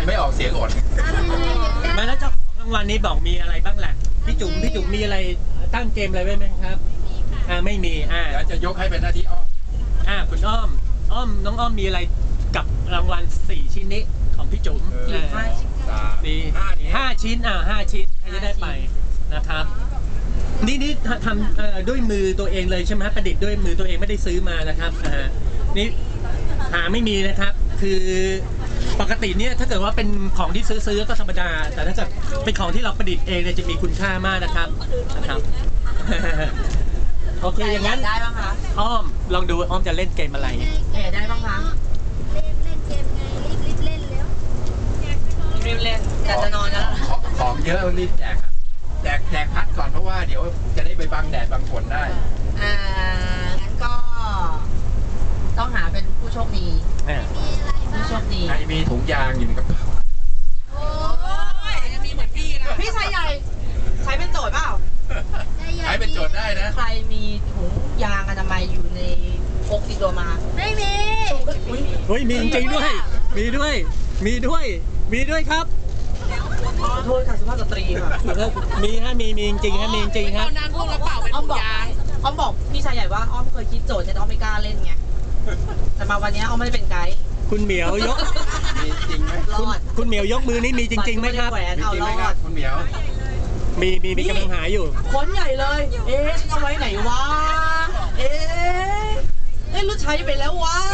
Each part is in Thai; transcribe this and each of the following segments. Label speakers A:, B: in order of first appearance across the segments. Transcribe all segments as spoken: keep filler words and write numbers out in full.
A: ไม่ออกเสียงอด
B: มาแล้วเจ้าของรางวัลนี้บอกมีอะไรบ้างแหละพี่จุ๋มพี่จุ๋มมีอะไรตั้งเกมอะไรไว้ไหมครับอ่าไม่มีอ่า
A: เดี๋ยวจะยกให้เป็นหน้าที่อ้อม
B: อ่าคุณอ้อมอ้อมน้องอ้อมมีอะไรกับรางวัลสี่ชิ้นนี้ของพี่จุ๋ม
A: ห้าชิ้นสามสี่
B: ห้าชิ้นอ่าห้าชิ้นใครจะได้ไปนะครับนี่นี่ทำด้วยมือตัวเองเลยใช่ไหมประดิษฐ์ด้วยมือตัวเองไม่ได้ซื้อมานะครับอ่านี่หาไม่มีนะครับคือปกติเนี่ยถ้าเกิดว่าเป็นของที่ซื้อๆก็ธรรมดาแต่ถ้าเกิดเป็นของที่เราประดิษฐ์เองเนี่ยจะมีคุณค่ามากนะครับนะครับโอเคอย่างนั้น
C: ได้บ้างคะ
B: อ้อมลองดูอ้อมจะเล่นเกมอะไร
C: แกได้บ้างคะ
D: เล่นเล่นเกมไงรีบรีบเล่นแล้ว
C: รีบเล่นแต่จะนอนแล้ว
A: ของเยอะรีบแจกแจกแจกพัดก่อนเพราะว่าเดี๋ยวจะได้ไปบังแดดบังฝนได้
C: อ่างั้นก็ต้องหาเป็นผู้โชคดีผู้โชคดี
A: ใครมีถุงยางอยู่ในกระเป๋า
C: โอ้ยจะมีเหมือนพี่นะพี่ชายใหญ่ใช้เป็นโจทย์เปล่า
A: ใช้เป็นโจทย์ได้นะ
C: ใครมีถุงยางอนามัยอยู่ในพกติดตัวมา
D: ไม่มี
B: เฮ้ยมีจริงด้วยมีด้วยมีด้วยมีด้วยครับ
C: ขอโทษค่ะสุภาพสตรีค่ะ
B: มีฮะมีมีจริงฮะมีจริงฮะ
C: นั่งพวกกระเป๋าเป็นถุงยางอ้อมบอกพี่ชายใหญ่ว่าอ้อมเคยคิดโจทย์แต่อ้อมไม่กล้าเล่นไงแต่มาวันนี้อ้อมไม่ได้เป็นไกด์
B: คุณเหมียวยก
A: มีจริงไหม
B: คุณเหมียวยกมือนี่มีจริงๆไหมครับ
A: มีจริงไหมครับคุณเหมียว
B: มีมีมีกำลังหาอยู่
C: ค้นใหญ่เลยเอ๊ะเอาไว้ไหนวะเอ๊ะเอ๊ะรู้ใช้ไปแล้ววะ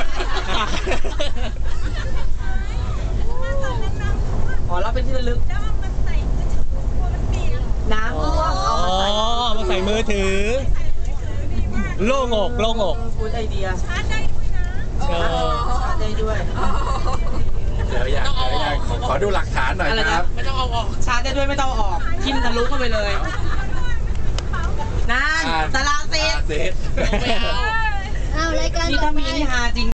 C: อ๋อเราเป็นที่ระลึกน้ำท่วมเอามาใส่
B: มาใส่มือถือโล่งอกโล่งอก
C: พูดไอเดียชาร์จได้ด้วยนะชาร์จได้ด้วย
A: เดี๋ยวอยากเดี๋ยวอยากขอดูหลักฐานหน่อยครับ
C: ไม่ต้องเอาออกชาร์จได้ด้วยไม่ต้องออกทิ่มทะลุเข้าไปเลยนั่นตารางเซต
A: เซต
D: เอารายการ
C: นี่ถ้ามีนี่ฮาจริง